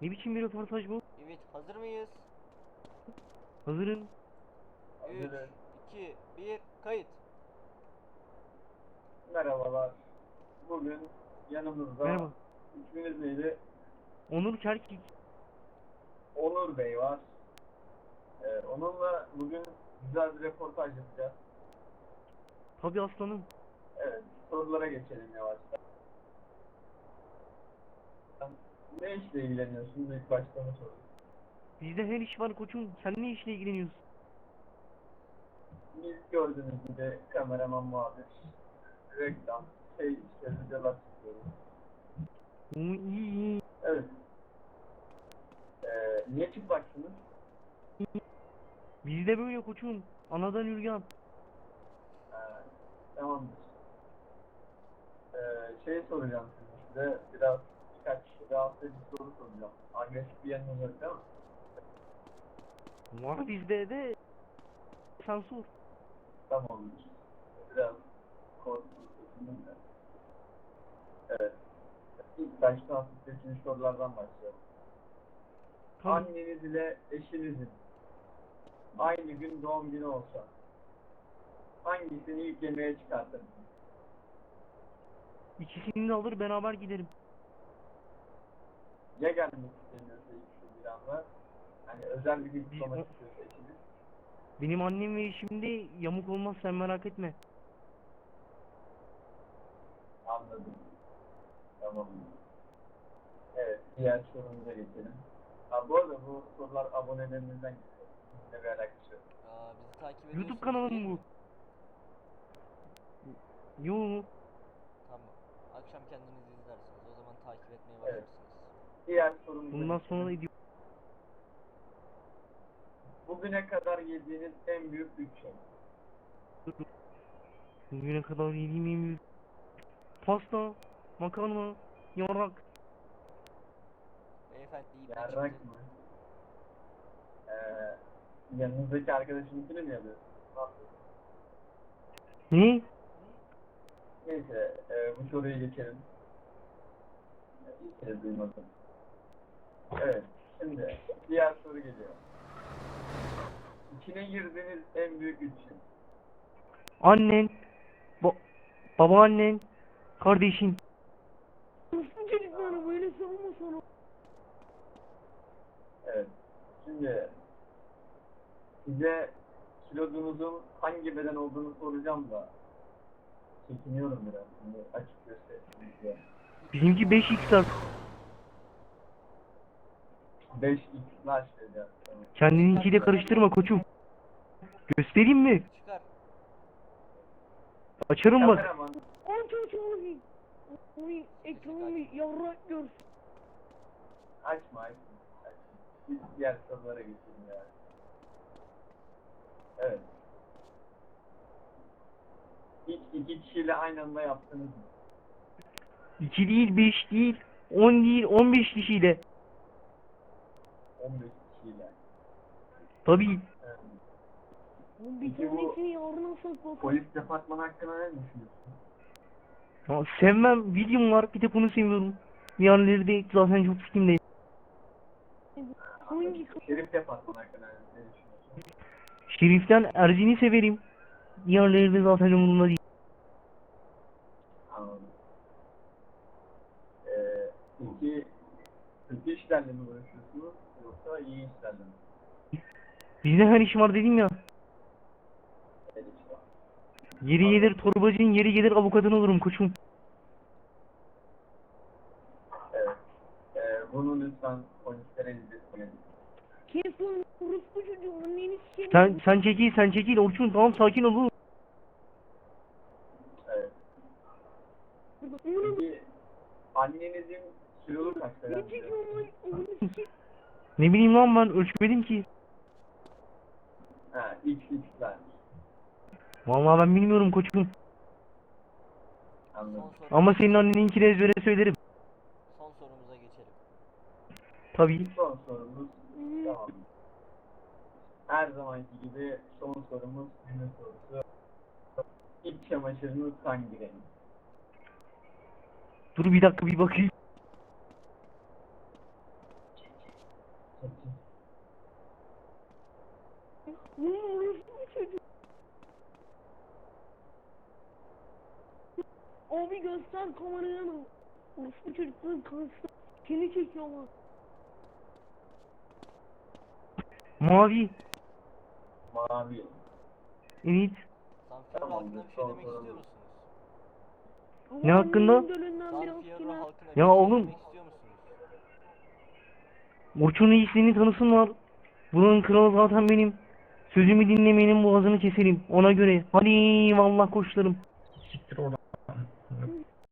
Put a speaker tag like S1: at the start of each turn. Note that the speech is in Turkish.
S1: Ne biçim bir röportaj bu?
S2: Evet, hazır mıyız?
S1: Hazırım.
S2: 3, 2, 1, kayıt.
S3: Merhabalar. Bugün yanımızda
S1: Merhaba.
S3: isminiz neydi?
S1: Onur Çerkik.
S3: Onur Bey var. Onunla bugün güzel bir röportaj yapacağız.
S1: Tabii aslanım.
S3: Evet, sorulara geçelim yavaştan. Ne işle ilgileniyorsunuz? İlk başta onu sorayım.
S1: Bizde her iş var koçum. Sen ne işle ilgileniyorsun?
S3: Biz gördüğünüz gibi kameraman, muhabir, reklam, işte videolar çekiyoruz.
S1: İyi iyi.
S3: Evet. Niye çıplaksınız?
S1: Bizde böyle koçum. Anadan üryan.
S3: Tamamdır. Soracağım size. Birkaç rahatsız edici soru soracağım. Agresif bir yanınız yok değil mi?
S1: Var bizde de. Sen sor.
S3: Tamamdır. Biraz korkutucu. Evet. İlk başta hafifleşmiş sorulardan başlayalım.
S1: Tabii.
S3: Anneniz ile eşinizin aynı gün doğum günü olsa hangisini ilk yemeğe çıkartırdınız?
S1: İkisini de alır beraber giderim.
S3: Ya gelmek istemiyorsa ilk bir anda, hani özel bir gün
S1: Biz-
S3: kutlamak istiyorsa eşiniz?
S1: Benim annem ve eşim de yamuk olmaz, sen merak etme.
S3: Anladım. Tamam. Evet, diğer sorumuza geçelim. Bu arada bu sorular abonelerimizden geliyor. Bizimle bir alakası yok.
S2: Bizi takip ediyorsunuz
S1: YouTube kanalım
S2: değil
S1: bu.
S2: mi?
S1: Yo.
S2: Tamam. Akşam kendiniz izlersiniz. O zaman takip etmeye
S3: Evet.
S2: başlarsınız.
S3: Diğer sorumuza
S1: Bundan
S3: geçelim.
S1: sonra da ediyor.
S3: Bugüne kadar yediğiniz en büyük bütçe.
S1: Bugüne kadar yediğim en büyük pasta, makarna, yarak.
S2: Beyefendi iyi bir
S3: Yarrak
S2: çıktı.
S3: mı? Yanınızdaki arkadaşınınkini mi yapıyorsunuz? Ne yapıyorsunuz?
S1: Ne?
S3: Neyse, bu soruyu geçelim. İlk kez duymadım. Evet, şimdi diğer soru geliyor. İçine girdiğiniz en büyük bütçe.
S1: Annen, babaannen, kardeşin. Nasıl çocukları böyle savunma sonra?
S3: Evet, şimdi size kilodunuzun hangi beden olduğunu soracağım da çekiniyorum biraz. Şimdi açık göstereyim size.
S1: Bizimki 5x.
S3: 5x large dedi. Tamam.
S1: Kendininkiyle karıştırma koçum. Göstereyim mi?
S2: Çıkar.
S1: Açarım bak.
S3: Kameraman,
S1: Aç aç abi. Oy ekranımı yavrak görsün.
S3: açma. Biz diğer sorulara geçelim ya. Evet. Hiç iki kişiyle aynı anda yaptınız mı?
S1: 2 değil, 5 değil, 10 değil, 15 kişiyle.
S3: 15 kişiyle.
S1: Tabii.
S3: Evet.
S1: Bir
S3: Peki bu
S1: tanesini yarına saklasın.
S3: polis departmanı hakkında ne düşünüyorsun?
S1: Ya sevmem, videom var, bir tek onu seviyorum. Diğerleri de zaten çok fikrimdeyim. Hangi?
S3: Şerif departmanı hakkında ne düşünüyorsun?
S1: Şerif'ten Erzin'i severim. Diğerleri de zaten umurumda değil.
S3: Anladım. Peki kötü işlerle mi uğraşıyorsunuz yoksa iyi işlerle mi?
S1: Bizde her iş var dedim ya.
S3: Evet işte.
S1: Yeri gelir torbacının, yeri gelir avukatın olurum koçum.
S3: Evet. Bunu lütfen polislere izletmeyin.
S1: Kes lan orospu çocuğu, anneni sikeyim. Sen çekil Orçun, tamam sakin ol oğlum.
S3: Evet. Peki annenizin kilolu kaç falan?
S1: Ne bileyim lan, ben ölçmedim ki.
S3: Ha, XX'ler.
S1: Vallahi ben bilmiyorum koçum.
S3: Anladım.
S2: Son sorumuza
S1: Ama senin
S2: geçelim.
S1: anneninkini ezbere söylerim.
S2: Son sorumuza geçelim.
S1: Tabii.
S3: Son sorumuz. Tamam. Her zamanki gibi son sorumuz günün sorusu. İç çamaşırınız hangi renk?
S1: Dur bir dakika bir bakayım.
S4: Göster kameraya mı? Orospu çocukların karşısında seni çekiyorlar.
S1: Mavi.
S3: Mavi.
S1: Evet.
S2: San Fierro
S3: Tamam,
S2: halkına bir şey
S3: son
S2: demek
S3: sorun.
S2: istiyor musunuz?
S4: Ama
S1: Ne hakkında?
S4: annemin dölünden
S2: San
S4: biraz
S2: Fierro
S4: kime?
S2: halkına bir
S1: Ya
S2: şey
S1: oğlum.
S2: demek istiyor musunuz?
S1: Orçun'un iyisini tanısınlar. Bunun kralı zaten benim. Sözümü dinlemeyenin boğazını keserim. Ona göre. Hadi vallahi koçlarım.
S5: Siktir oradan.